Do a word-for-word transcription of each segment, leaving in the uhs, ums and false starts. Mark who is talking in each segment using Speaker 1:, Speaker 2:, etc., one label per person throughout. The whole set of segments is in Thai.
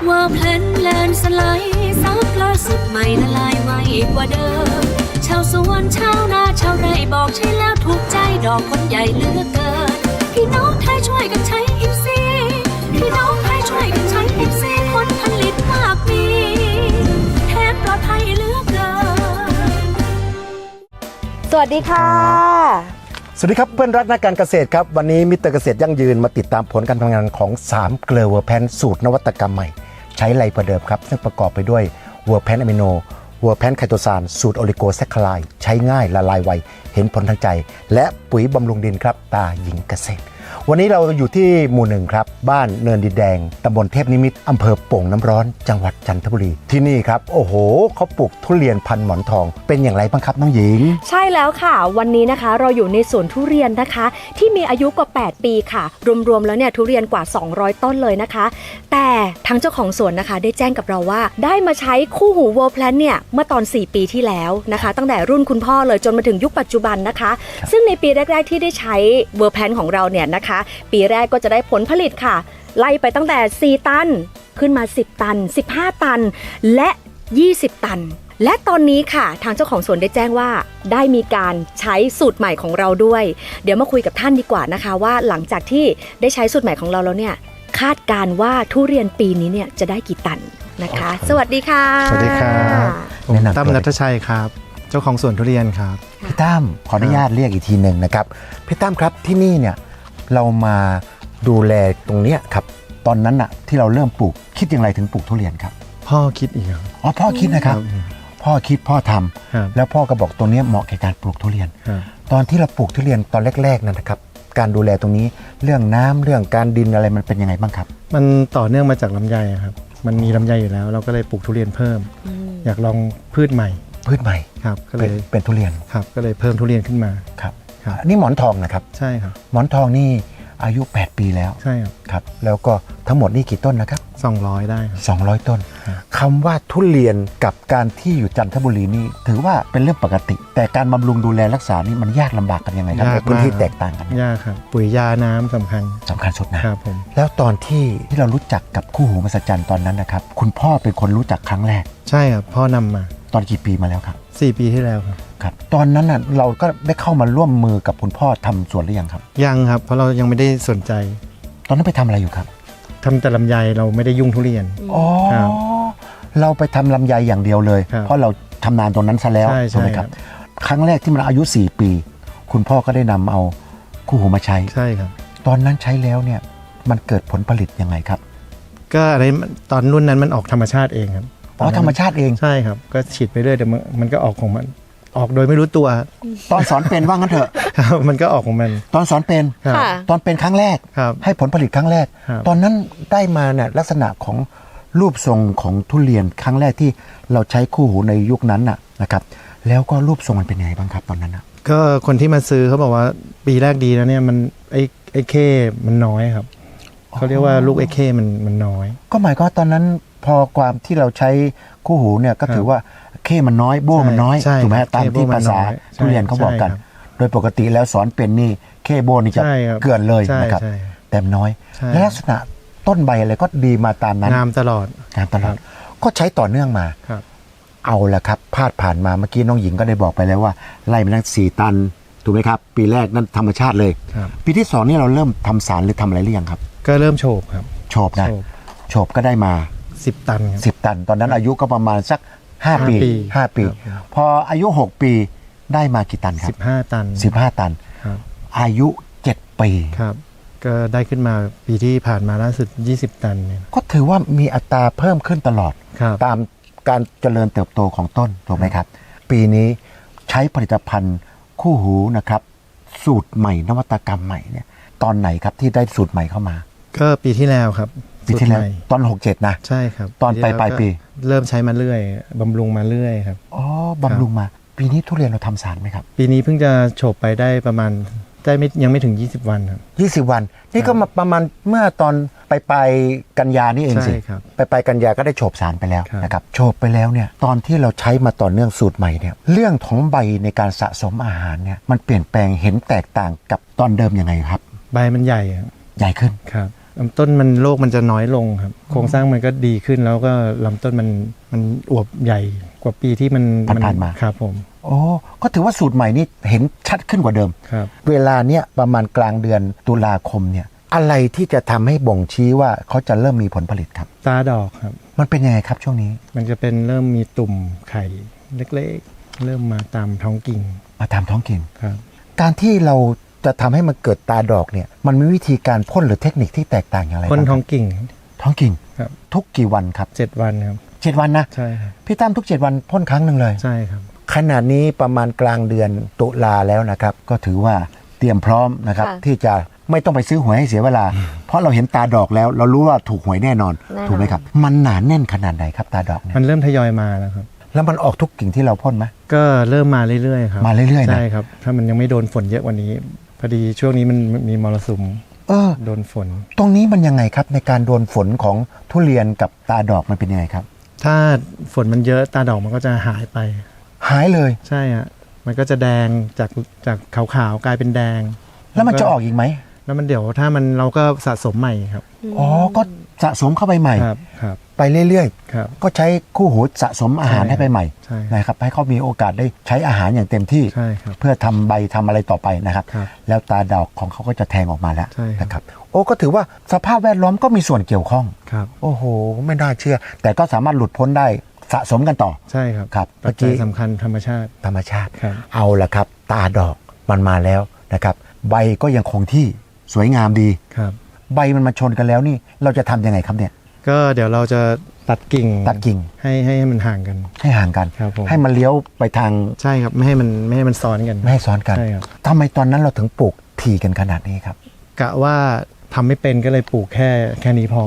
Speaker 1: ว่าเพลนแลนสไลด์ซับล่าสุดใหม่ละลายไวกว่าเดิมชาวสวนชาวนาชาวไร่บอกใช่แล้วถูกใจดอกคนใหญ่เหลือกเกินพี่น้องไทยช่วยกันใช้อิฟซีพี่น้องไทยช่วยกันใช้อิฟซีผลผลิตมากมีแทนปลอดภัยเหลือกเกิน
Speaker 2: สวัสดีค่ะ
Speaker 3: สวัสดีครับเพื่อนรักนักการเกษตรครับวันนี้มิสเตอร์เกษตรยั่งยืนมาติดตามผลการทำงานของสามเกลือเวอร์แพนสูตรนวัตกรรมใหม่ใช้ไรประเดิมครับซึ่งประกอบไปด้วยเวอร์แพนอะมิโนเวอร์แพนไคโตซานสูตรโอลิโกแซคคาไลด์ใช้ง่ายละลายไวเห็นผลทางใจและปุ๋ยบำรุงดินครับตาหญิงเกษตรวันนี้เราอยู่ที่หมู่หนึ่งครับบ้านเนินดินแดงตำบลเทพนิมิตรอำเภอโป่งน้ำร้อนจังหวัดจันทบุรีที่นี่ครับโอ้โหเขาปลูกทุเรียนพันหมอนทองเป็นอย่างไรบ้างครับน้องหญิง
Speaker 2: ใช่แล้วค่ะวันนี้นะคะเราอยู่ในสวนทุเรียนนะคะที่มีอายุกว่าแปดปีค่ะรวมๆแล้วเนี่ยทุเรียนกว่าสองร้อยต้นเลยนะคะแต่ทางเจ้าของสวนนะคะได้แจ้งกับเราว่าได้มาใช้คู่หูเวิร์แพลนเนี่ยเมื่อตอนสี่ปีที่แล้วนะคะตั้งแต่รุ่นคุณพ่อเลยจนมาถึงยุคปัจจุบันนะคะซึ่งในปีแรกๆที่ได้ใช้เวิร์แพลนของเราเนี่ยนะคะปีแรกก็จะได้ผลผลิตค่ะไล่ไปตั้งแต่สี่ตันขึ้นมาสิบตันสิบห้าตันและยี่สิบตันและตอนนี้ค่ะทางเจ้าของสวนได้แจ้งว่าได้มีการใช้สูตรใหม่ของเราด้วยเดี๋ยวมาคุยกับท่านดีกว่านะคะว่าหลังจากที่ได้ใช้สูตรใหม่ของเราแล้วเนี่ยคาดการณ์ว่าทุเรียนปีนี้เนี่ยจะได้กี่ตันนะคะสวัสดีค่ะ
Speaker 4: สวัสดีครับผมตั้มณัฐชัยครับเจ้าของสวนทุเรียนครับ
Speaker 3: พี่ตั้มขออนุญาตเรียกอีกทีหนึ่งนะครับพี่ตั้มครับที่นี่เนี่ยเรามาดูแลตรงเนี้ยครับตอนนั้นอะที่เราเริ่มปลูกคิดอย่างไรถึงปลูกทุเรียนครับ
Speaker 4: พ่อคิดอีกครับ
Speaker 3: อ๋อพ่อคิดนะครับพ่อคิดพ่อทำแล้วพ่อก็บอกตรงนี้เหมาะแก่การปลูกทุเรียนตอนที่เราปลูกทุเรียนตอนแรกๆนั่นนะครับการดูแลตรงนี้เรื่องน้ำเรื่องการดินอะไรมันเป็นยังไงบ้างครับ
Speaker 4: มันต่อเนื่องมาจากลำไยครับมันมีลำไยอยู่แล้วเราก็เลยปลูกทุเรียนเพิ่มอยากลองพืชใหม่
Speaker 3: พืชใหม่
Speaker 4: ครับก็เลย
Speaker 3: เป็นทุเรียน
Speaker 4: ครับก็เลยเพิ่มทุเรียนขึ้นมา
Speaker 3: ครับนี่หมอนทองนะครับ
Speaker 4: ใช่ครับ
Speaker 3: หมอนทองนี่อายุแปดปีแล้ว
Speaker 4: ใช่ครับ
Speaker 3: ครับแล้วก็ทั้งหมดนี่กี่ต้นนะครับ
Speaker 4: สองร้อยได้ครับ
Speaker 3: สองร้อยต้นคำว่าทุเรียนกับการที่อยู่จันทบุรีนี่ถือว่าเป็นเรื่องปกติแต่การบำรุงดูแลรักษานี่มันยากลำบากกันยังไงครับในพื้นที่แตกต่างกัน
Speaker 4: ยากครับปุ๋ยยาน้ำสำคัญ
Speaker 3: สำคัญสุดนะครับ
Speaker 4: ผม
Speaker 3: แล้วตอนที่ที่เรารู้จักกับคู่หูมหัศจรรย์ตอนนั้นนะครับคุณพ่อเป็นคนรู้จักครั้งแรก
Speaker 4: ใช่ครับพ่อนำมา
Speaker 3: ตอนกี่ปีมาแล้วครับ
Speaker 4: สี่ปีที่แล้วครับ
Speaker 3: ครับตอนนั้นน่ะเราก็ได้เข้ามาร่วมมือกับคุณพ่อทำสวนหรือยังครับ
Speaker 4: ยังครับเพราะเรายังไม่ได้สนใจ
Speaker 3: ตอนนั้นไปทำอะไรอยู่ครับ
Speaker 4: ทำแต่ลำไยเราไม่ได้ยุ่งทุเรียน
Speaker 3: อ๋อเราไปทำลำไยอย่างเดียวเลยเพราะเราทำนานตรงนั้นซะแล้วถูกไหมครับครั้งแรกที่มันอายุสี่ปีคุณพ่อก็ได้นำเอาคู่หูมาใช้
Speaker 4: ใช่ครับ
Speaker 3: ตอนนั้นใช้แล้วเนี่ยมันเกิดผลผลิตยังไงครับ
Speaker 4: ก็อะไรตอนรุ่นนั้นมันออกธรรมชาติเองครับ
Speaker 3: อ๋อธรรมชาติเอง
Speaker 4: ใช่ครับก็ฉีดไปเรื่อยแต่มันก็ออกของมันออกโดยไม่รู้ตัว
Speaker 3: ตอนสอนเป็นว่างั้นเถอะ
Speaker 4: มันก็ออกของมัน
Speaker 3: ตอนสอนเป็นตอนเป็นครั้งแรกให้ผลผลิตครั้งแรกตอนนั้นได้มาเนี่ยลักษณะของรูปทรงของทุเรียนครั้งแรกที่เราใช้คู่หูในยุคนั้นน่ะนะครับแล้วก็รูปทรงมันเป็นยังไงบ้างครับตอนนั้นนะ
Speaker 4: ก็คนที่มาซื้อเขาบอกว่าปีแรกดีแล้วเนี่ยมันไอ้ไอ้เข้มันน้อยครับเขาเรียกว่าลูกไอ้เข้มันมันน้อย
Speaker 3: ก็หมายก็ตอนนั้นพอความที่เราใช้คู่หูเนี่ยก็ถือว่าเข้มันน้อยโบ้มันน้อยถูกไหมตามที่ภาษาทุเรียนเขาบอกกันโดยปกติแล้วสอนเป็นนี่เข้โบ้นี่จะเกลื่อนเลยนะครับแต่น้อยและลักษณะต้นใบอะไรก็ดีมาตามนั้น
Speaker 4: งามตลอด
Speaker 3: งามตลอดก็ใช้ต่อเนื่องมาเอาละครับพาดผ่านมาเมื่อกี้น้องหญิงก็ได้บอกไปแล้วว่าไล่มาตั้งสี่ตันถูกไหมครับปีแรกนั่นธรรมชาติเลยปีที่สองนี่เราเริ่มทำสารหรือทำอะไรหรือยังครับ
Speaker 4: ก็เริ่มโฉบครับ
Speaker 3: โฉบนะโฉบก็ได้มา
Speaker 4: สิบตัน
Speaker 3: สิบตันตอนนั้นอายุก็ประมาณสักห้าปีห้าปีพออายุหกปีได้มากี่ตันครับ
Speaker 4: สิบห้าตัน
Speaker 3: สิบห้าตันอายุเจ็ดปี
Speaker 4: ครับก็ได้ขึ้นมาปีที่ผ่านมาล่าสุดยี่สิบตันเนี่ย
Speaker 3: ก็ถือว่ามีอัตราเพิ่มขึ้นตลอดตามการเจริญเติบโตของต้นถูกไหมครับปีนี้ใช้ผลิตภัณฑ์คู่หูนะครับสูตรใหม่นวัตกรรมใหม่เนี่ยตอนไหนครับที่ได้สูตรใหม่เข้ามา
Speaker 4: ก็ปีที่แล้วครับ
Speaker 3: ปีที่แล้วตอนหกเจ็ดนะ
Speaker 4: ใช่ครับ
Speaker 3: ตอนปลายปลายปี
Speaker 4: เริ่มใช้มาเรื่อยบำรุงมาเรื่อยครับ
Speaker 3: อ๋อบำรุงมาปีนี้ทุเรียนเราทำสารไหมครับ
Speaker 4: ปีนี้เพิ่งจะโฉบไปได้ประมาณได้ไม่ยังไม่ถึงยี่สิบวันครับ
Speaker 3: ยี่สิบวันนี่ก็มาประมาณเมื่อตอนปลายปลายกันยานี่เองสิปลายปลายกันยาก็ได้โฉบสารไปแล้วนะครับโฉบไปแล้วเนี่ยตอนที่เราใช้มาต่อเนื่องสูตรใหม่เนี่ยเรื่องของใบในการสะสมอาหารเนี่ยมันเปลี่ยนแปลงเห็นแตกต่างกับตอนเดิมยังไงครับ
Speaker 4: ใบมันใหญ่
Speaker 3: ใหญ่ขึ้น
Speaker 4: ครับลำต้นมันโรคมันจะน้อยลงครับโครงสร้างมันก็ดีขึ้นแล้วก็ลำต้นมันมันอวบใหญ่กว่าปีที่มัน
Speaker 3: ผ่านๆมา
Speaker 4: ครับผม
Speaker 3: โอ้ก็ถือว่าสูตรใหม่นี่เห็นชัดขึ้นกว่าเดิม
Speaker 4: ครับ
Speaker 3: เวลาเนี้ยประมาณกลางเดือนตุลาคมเนี่ยอะไรที่จะทำให้บ่งชี้ว่าเขาจะเริ่มมีผลผลิตครับ
Speaker 4: ตาดอกครับ
Speaker 3: มันเป็นยังไงครับช่วงนี้
Speaker 4: มันจะเป็นเริ่มมีตุ่มไข่เล็กๆ เริ่มมาตามท้องกิ่ง
Speaker 3: มาตามท้องถิ่น
Speaker 4: ครับ
Speaker 3: การที่เราจะทำให้มันเกิดตาดอกเนี่ยมันมีวิธีการพ่นหรือเทคนิคที่แตกต่างอย่างไร
Speaker 4: พ่น
Speaker 3: บ้าง
Speaker 4: ท้
Speaker 3: ค
Speaker 4: อ
Speaker 3: รับ
Speaker 4: งกิ่ง
Speaker 3: ท้องกิ่ง
Speaker 4: ครับ
Speaker 3: ทุกกี่วันครับ
Speaker 4: เจ็ดวันครับ
Speaker 3: เจ็ดวันนะ
Speaker 4: ใช่ครับ
Speaker 3: พี่ตั้มทุกเจ็ดวันพ่นครั้งหนึ่งเลย
Speaker 4: ใช่ครับ
Speaker 3: ขณะนี้ประมาณกลางเดือนตุลาแล้วนะครับก็ถือว่าเตรียมพร้อมนะครับ
Speaker 2: ค่ะ
Speaker 3: ที่จะไม่ต้องไปซื้อหวยให้เสียเวลา เพราะเราเห็นตาดอกแล้ว เรารู้ว่าถูกหวยแน่นอน
Speaker 2: แน่นอน
Speaker 3: ถูกไหมครับ มันหนาแน่นขนาดไหนครับตาดอกเนี่ย
Speaker 4: มันเริ่มทยอยมาแล้วครับ
Speaker 3: แล้วมันออกทุกกิ่งที่เราพ่นไหม
Speaker 4: ก็เริ่มมาเรื่อยๆครับ
Speaker 3: มาเรื่อยๆนะ
Speaker 4: ใช่ครับ ถ้ามันยังไม่โดนฝนเยอะกว่านี้ พอดีช่วงนี้มันมีมรสุม
Speaker 3: เออ
Speaker 4: โดนฝน
Speaker 3: ตรงนี้มันยังไงครับในการโดนฝนของทุเรียนกับตาดอกมันเป็นยังไงครับ
Speaker 4: ถ้าฝนมันเยอะตาดอกมันก็จะหายไป
Speaker 3: หายเลย
Speaker 4: ใช่ฮะมันก็จะแดงจากจากขาวๆกลายเป็นแดง
Speaker 3: แล้วมันจะออกอีกไหม
Speaker 4: แล้วมันเดี๋ยวถ้ามันเราก็สะสมใหม่ครับ
Speaker 3: อ๋อก็สะสมเข้าไปใหม่
Speaker 4: ครับครับ
Speaker 3: ไปเรื่อย
Speaker 4: ครับ
Speaker 3: ๆ ก็ใช้คู่หูสะสมอาหาร
Speaker 4: ใช่
Speaker 3: ให้ไปใหม่
Speaker 4: ใช่
Speaker 3: นะครับให้เขามีโอกาสได้ใช้อาหารอย่างเต็มที่
Speaker 4: ใช่ครับ
Speaker 3: เพื่อทำใบทำอะไรต่อไปนะครับ
Speaker 4: ครับ
Speaker 3: แล้วตาดอกของเขาก็จะแทงออกมาแล้ว
Speaker 4: ใช่ครับ
Speaker 3: นะครับ โอ้ก็ถือว่าสภาพแวดล้อมก็มีส่วนเกี่ยวข้อง
Speaker 4: ครับ
Speaker 3: โอ้โห ไม่น่าเชื่อ แต่ก็สามารถหลุดพ้นได้สะสมกันต่อ
Speaker 4: ใช่ครับ
Speaker 3: ครับ
Speaker 4: ปัจจัยสำคัญธรรมชาติ
Speaker 3: ธรรมชาติ
Speaker 4: ครับ
Speaker 3: เอาละครับ ตาดอกมันมาแล้วนะครับ ใบก็ยังคงที่สวยงามดี
Speaker 4: ครับ
Speaker 3: ใบมันมาชนกันแล้วนี่เราจะทำยังไงครับเนี่ย
Speaker 4: ก็เดี๋ยวเราจะตัดกิ่ง
Speaker 3: ตัดกิ่ง
Speaker 4: ให้ให้ให้มันห่างกัน
Speaker 3: ให้ห่างกัน
Speaker 4: ครับผม
Speaker 3: ให้มันเลี้ยวไปทาง
Speaker 4: ใช่ครับไม่ให้มันไม่ให้มันซ้อนกัน
Speaker 3: ไม่ให้ซ้อนกัน
Speaker 4: ใช่ครับ
Speaker 3: ทำไมตอนนั้นเราถึงปลูกถี่กันขนาดนี้ครับ
Speaker 4: กะว่าทำไม่เป็นก็เลยปลูกแค่แค่นี้พอ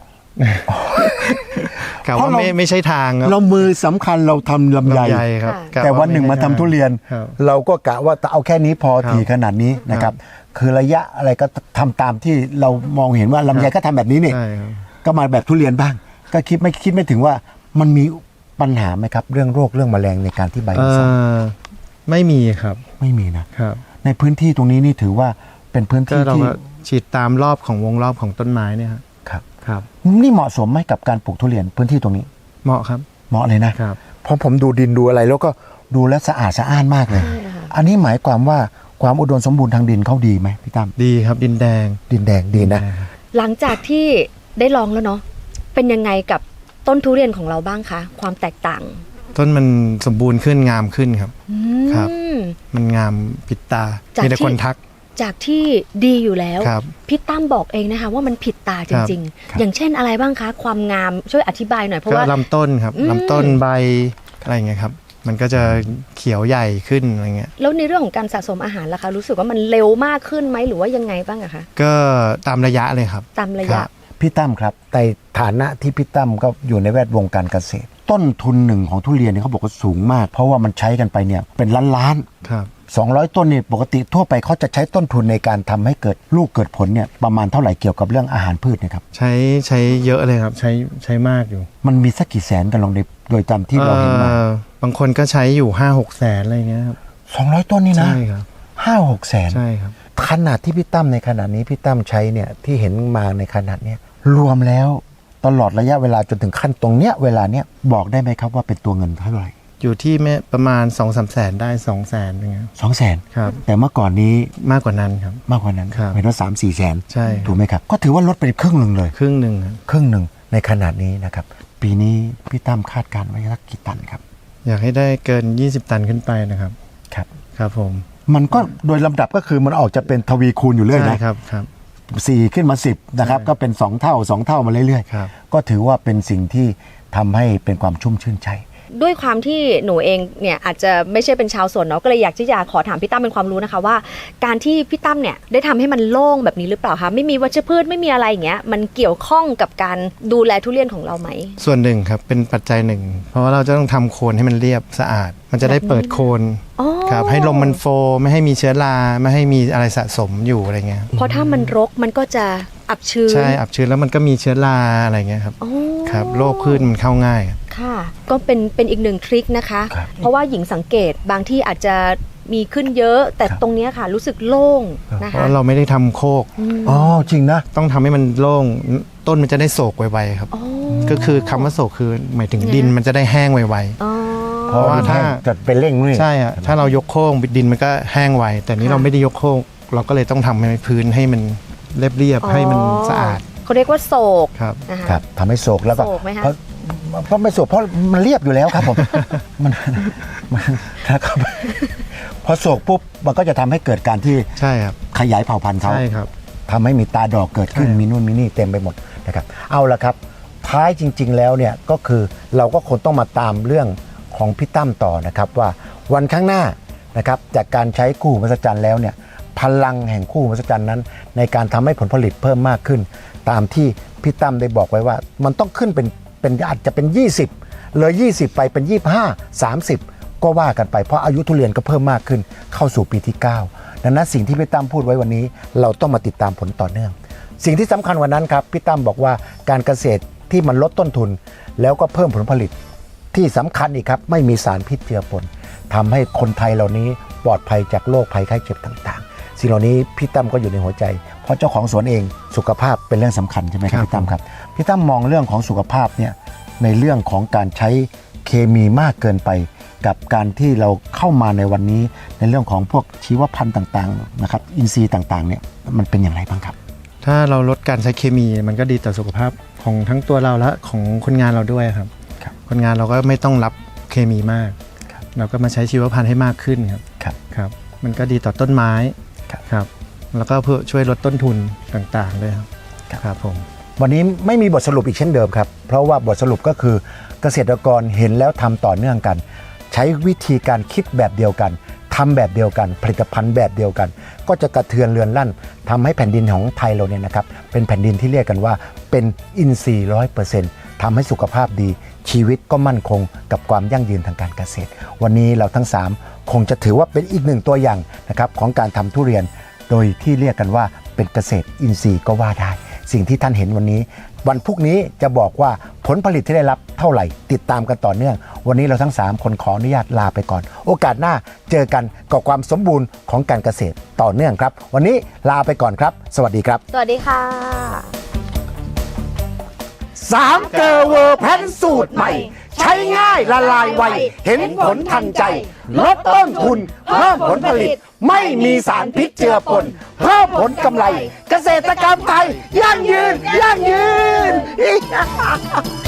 Speaker 4: กะ
Speaker 3: เพ
Speaker 4: ว่า
Speaker 3: ราะเรา
Speaker 4: ไม่ไม่ใช่ทางครับ
Speaker 3: เรามือสำคัญเราทำลำไย
Speaker 4: ลำไยครับ
Speaker 2: ค่ะ
Speaker 4: กะ
Speaker 3: แต่วันหนึ่งมาทำทุเรียน
Speaker 4: ครับ
Speaker 3: เราก็กะว่าเอาแค่นี้พอ
Speaker 4: ครับ
Speaker 3: ถี่ขนาดนี้นะครับ คือระยะอะไรก็ทำตามที่เรามองเห็นว่าลำไยก็ทำแบบนี้นี่
Speaker 4: ใช่ครับ
Speaker 3: ก็มาแบบทุเรียนบ้าง ก็คิดไม่คิดไม่ถึงว่ามันมีปัญหาไหมครับ เรื่องโรคเรื่องแมลงในการที่ใบ
Speaker 4: เอ่
Speaker 3: มันสั่น
Speaker 4: อไม่มีครับ
Speaker 3: ไม่มีนะ
Speaker 4: ครับ
Speaker 3: ในพื้นที่ตรงนี้นี่ถือว่าเป็นพื้น
Speaker 4: ก็
Speaker 3: ที่
Speaker 4: เรา
Speaker 3: ที่
Speaker 4: ก็ฉีดตามรอบของวงรอบของต้นไม้เนี่ยครับ
Speaker 3: ครับ
Speaker 4: ครับ
Speaker 3: นี่เหมาะสมไหมกับการปลูกทุเรียนพื้นที่ตรงนี้
Speaker 4: เหมาะครับ
Speaker 3: เหมาะเลยนะครับ เพราะผมดูดินดูอะไรแล้วก็ดูแลวสะอาดสะอ้านมากเลย
Speaker 2: ใช่ค่ะ
Speaker 3: อันนี้หมายความว่าความอุดมสมบูรณ์ทางดินเขาดีไหมพี่ตั้ม
Speaker 4: ดีครับดินแดง
Speaker 3: ดินแดงดีนะ
Speaker 2: หลังจากที่ได้ลองแล้วเนาะเป็นยังไงกับต้นทุเรียนของเราบ้างคะความแตกต่าง
Speaker 4: ต้นมันสมบูรณ์ขึ้นงามขึ้นครับ
Speaker 2: อืม
Speaker 4: ครับ มันงามปิดตา
Speaker 2: จาก
Speaker 4: มีแต่
Speaker 2: ที่
Speaker 4: คนทัก
Speaker 2: จากที่ดีอยู่แล้ว
Speaker 4: ครับ
Speaker 2: พี่ตั้มบอกเองนะคะว่ามันผิดตาจริง
Speaker 3: ครับ
Speaker 2: ๆ อย่างเช่นอะไรบ้างคะ ความงามช่วยอธิบายหน่อยเพราะ
Speaker 4: ก็
Speaker 2: ว่า
Speaker 4: ลำต้นครับ
Speaker 2: อืม
Speaker 4: ลำต้นใบอะไรอย่างเงี้ยครับ มันก็จะเขียวใหญ่ขึ้นอะไรเงี้ย
Speaker 2: แล้วในเรื่องของการสะสมอาหารล่ะคะ รู้สึกว่ามันเร็วมากขึ้นไหมหรือว่ายังไงบ้างอะคะ
Speaker 4: ก็ตามระยะเลยครับ
Speaker 2: ตามระ
Speaker 4: ค
Speaker 2: ยะ
Speaker 4: รับ
Speaker 3: พี่ตั้มครับในฐานะที่พี่ตั้มก็อยู่ในแวดวงการเกษตร ต้นทุนหนึ่งของทุเรียนเนี่ยเขาบอกว่าสูงมาก เพราะว่ามันใช้กันไปเนี่ยเป็นล้านล้าน
Speaker 4: ครับ
Speaker 3: สองร้อยต้นนี่ปกติทั่วไปเขาจะใช้ต้นทุนในการทำให้เกิดลูกเกิดผลเนี่ยประมาณเท่าไหร่เกี่ยวกับเรื่องอาหารพืชเนะครับ
Speaker 4: ใช้ใช้เยอะเลยครับ ใช้ใช้มากอยู่
Speaker 3: มันมีสักกี่แสนกันลองในโดยจำที่เราเห็นมา
Speaker 4: อ่อบางคนก็ใช้อยู่ห้าหกแสนอะไรเงี้ยครับ
Speaker 3: สองร้อยต้นนี่นะ
Speaker 4: ใช่ครับ
Speaker 3: ห้าหกแสน
Speaker 4: ใช่ครับ
Speaker 3: ขนาดที่พี่ตั้มในขนาดนี้พี่ตั้มใช้เนี่ยที่เห็นมาในขนาดเนี้ยรวมแล้วตลอดระยะเวลาจนถึงขั้นตรงเนี้ยเวลาเนี้ยบอกได้ไหมครับว่าเป็นตัวเงินเท่าไหร่
Speaker 4: อยู่ที่แม่ประมาณสองสามแสนได้สองแสนอย่างเงี้ย
Speaker 3: สองแสน
Speaker 4: ครับ
Speaker 3: แต่เมื่อก่อนนี้
Speaker 4: มากกว่านั้นครับ
Speaker 3: มากกว่านั้น
Speaker 4: ครับ
Speaker 3: เห็นว่าสามสี่แสน
Speaker 4: ใช่ครับ
Speaker 3: ถูกไหมครับ ก็ถือว่าลดไปครึ่งหนึ่งเลย
Speaker 4: ครึ่งหนึ่งครับ
Speaker 3: ครึ่งหนึ่งในขนาดนี้นะครับ ปีนี้พี่ตั้มคาดการณ์ไว้สักกี่ตันครับ
Speaker 4: อยากให้ได้เกินยี่สิบตันขึ้นไปนะครับ
Speaker 3: ครับ
Speaker 4: ครับผม
Speaker 3: มันก็โดยลำดับก็คือมันออกจะเป็นทวีคูณอยู่เรื่อย
Speaker 4: ใช่
Speaker 3: นะครับ
Speaker 4: ครับ
Speaker 3: สี่ขึ้นมาสิบนะครับ
Speaker 4: ใช่
Speaker 3: ก็เป็นสองเท่าสองเท่ามาเรื่อย
Speaker 4: ครับ
Speaker 3: ๆก็ถือว่าเป็นสิ่งที่ทำให้เป็นความชุ่มชื่นใจ
Speaker 2: ด้วยความที่หนูเองเนี่ยอาจจะไม่ใช่เป็นชาวสวนเนาะก็เลยอยากที่จะขอถามพี่ตั้มเป็นความรู้นะคะว่า การที่พี่ตั้มเนี่ยได้ทำให้มันโล่งแบบนี้หรือเปล่าคะไม่มีวัชพืชไม่มีอะไรอย่างเงี้ยมันเกี่ยวข้องกับการดูแลทุเรียนของเราไหม
Speaker 4: ส่วนหนึ่งครับเป็นปัจจัยหนึ่ง เพราะว่าเราจะต้องทำโคนให้มันเรียบสะอาด มันจะได้เปิดโคน
Speaker 2: อ๋อ
Speaker 4: ครับให้ลมมันโฟลว์ไม่ให้มีเชื้อราไม่ให้มีอะไรสะสมอยู่อะไรเงี้ย
Speaker 2: เพราะถ้ามันรกมันก็จะอับชื้น
Speaker 4: ใช่อับชื้นแล้วมันก็มีเชื้อราอะไรเงี้ยครับ
Speaker 2: อ๋อ
Speaker 4: ครับโรคพืชมันเข้าง่าย
Speaker 2: ค่ะ ก็เป็นเป็นอีกหนึ่งทริคนะคะ
Speaker 3: ครับ
Speaker 2: เพราะว่าหญิงสังเกตบางที่อาจจะมีขึ้นเยอะ แต่ตรงเนี้ยค่ะรู้สึกโล่งนะ
Speaker 4: เพ
Speaker 2: คะ
Speaker 4: ราะเราไม่ได้ทำโคก
Speaker 3: อ๋อจริงนะ
Speaker 4: ต้องทำให้มันโล่งต้นมันจะได้โศกไวๆครับ
Speaker 2: อ๋อ
Speaker 4: ก็คือคำว่าโศกคือหมายถึง
Speaker 2: ไง
Speaker 4: ดินมันจะได้แห้งไว
Speaker 2: อ๋อ
Speaker 3: เพราะว่าถ้าจะไปเร่งนี่
Speaker 4: ๆใช่อะถ้าเรายกโค้งดินมันก็แห้งไวแต่นี้เราไม่ได้ยกโค้งเราก็เลยต้องทำให้พื้นให้มันเรียบๆให้มันสะอาด
Speaker 2: เขาเรียกว่าโศก
Speaker 4: ครับ
Speaker 2: นะคะ
Speaker 3: ครับทำให้โศกแล้วก็
Speaker 2: โศกไหมคะ
Speaker 3: เพราะเพราะไม่โศกเพราะมันเรียบอยู่แล้วครับผม มันมันนะครับพอโศกปุ๊บมันก็จะทำให้เกิดการที่
Speaker 4: ใช่ครับ
Speaker 3: ขยายเผ่าพันธุ์เขา
Speaker 4: ใช่ครับ
Speaker 3: ทำให้มีตาดอกเกิดขึ้น
Speaker 4: ใช่
Speaker 3: มีนู่นมีนี่เต็มไปหมดนะครับเอาละครับท้ายจริง ๆ แล้วเนี่ยก็คือเราก็คงต้องมาตามเรื่องของพี่ตั้มต่อนะครับว่าวันข้างหน้านะครับจากการใช้คู่หูมหัศจรรย์แล้วเนี่ยพลังแห่งคู่หูมหัศจรรย์นั้น ในการทำให้ผลผลิตเพิ่มมากขึ้น ตามที่พี่ตั้มได้บอกไว้ว่ามันต้องขึ้นเป็นเป็นอาจจะเป็น ยี่สิบเลยยี่สิบไปเป็น ยี่สิบห้า สามสิบ ก็ว่ากันไปเพราะอายุทุเรียนก็เพิ่มมากขึ้นเข้าสู่ปีที่เก้าดังนั้นสิ่งที่พี่ตั้มพูดไว้วันนี้เราต้องมาติดตามผลต่อเนื่อง สิ่งที่สำคัญวันนั้นครับพี่ตั้มบอกว่าการเกษตรที่มันลดต้นทุน แล้วก็เพิ่มผลผลิตที่สำคัญอีกครับไม่มีสารพิษเจือปนทำให้คนไทยเหล่านี้ปลอดภัยจากโรคภัยไข้เจ็บต่างๆ สิ่งเหล่านี้พี่ตั้มก็อยู่ในหัวใจ เพราะเจ้าของสวนเองสุขภาพเป็นเรื่องสำคัญใช่ไหมครับพี่ตั้มครับพี่ตั้มมองเรื่องของสุขภาพเนี่ยในเรื่องของการใช้เคมีมากเกินไป กับการที่เราเข้ามาในวันนี้ในเรื่องของพวกชีวพันธุ์ต่างๆนะครับอินทรีย์ต่างๆเนี่ยมันเป็นอย่างไรบ้างครับ
Speaker 4: ถ้าเราลดการใช้เคมีมันก็ดีต่อสุขภาพของทั้งตัวเราและของคนงานเราด้วยครับ
Speaker 3: ครับ
Speaker 4: คนงานเราก็ไม่ต้องรับเคมีมาก
Speaker 3: ครับ
Speaker 4: เราก็มาใช้ชีวพันธุ์ให้มากขึ้นครับ
Speaker 3: ครับ
Speaker 4: ครับ มันก็ดีต่อต้นไม้
Speaker 3: ครับ
Speaker 4: ครับ แล้วก็เพื่อช่วยลดต้นทุนต่างๆด้วยครับ
Speaker 3: ครับ
Speaker 4: ครับผม
Speaker 3: วันนี้ไม่มีบทสรุปอีกเช่นเดิมครับเพราะว่าบทสรุปก็คือเกษตรกรเห็นแล้วทำต่อเนื่องกัน ใช้วิธีการคิดแบบเดียวกันทำแบบเดียวกันผลิตภัณฑ์แบบเดียวกัน ก็จะกระเทือนเรือนลั่นทำให้แผ่นดินของไทยเราเนี่ยนะครับเป็นแผ่นดินที่เรียกกันว่าเป็นอินทรีย์ร้อยเปอร์เซ็นต์ทำให้สุขภาพดีชีวิตก็มั่นคงกับความยั่งยืนทางการเกษตร วันนี้เราทั้งสามคงจะถือว่าเป็นอีกหนึ่งตัวอย่างนะครับของการทำทุเรียนโดยที่เรียกกันว่าเป็นเกษตรอินทรีย์ก็ว่าได้ สิ่งที่ท่านเห็นวันนี้วันพรุ่งนี้จะบอกว่าผลผลิตที่ได้รับเท่าไหร่ติดตามกันต่อเนื่องวันนี้เราทั้งสามคนขออนุญาตลาไปก่อนโอกาสหน้าเจอกันกับความสมบูรณ์ของการเกษตรต่อเนื่องครับวันนี้ลาไปก่อนครับสวัสดีครับ
Speaker 2: สวัสดีค่ะ
Speaker 3: สามเกอร์เวอร์แพนสูตรใหม่ ใช้ง่ายละลายไวเห็นผลทันใจลดต้นทุนเพิ่มผลผลิตไม่มีสารพิษเจือปนเพิ่มผลกำไร เกษตรกรรมไทยยั่งยืนยั่งยืน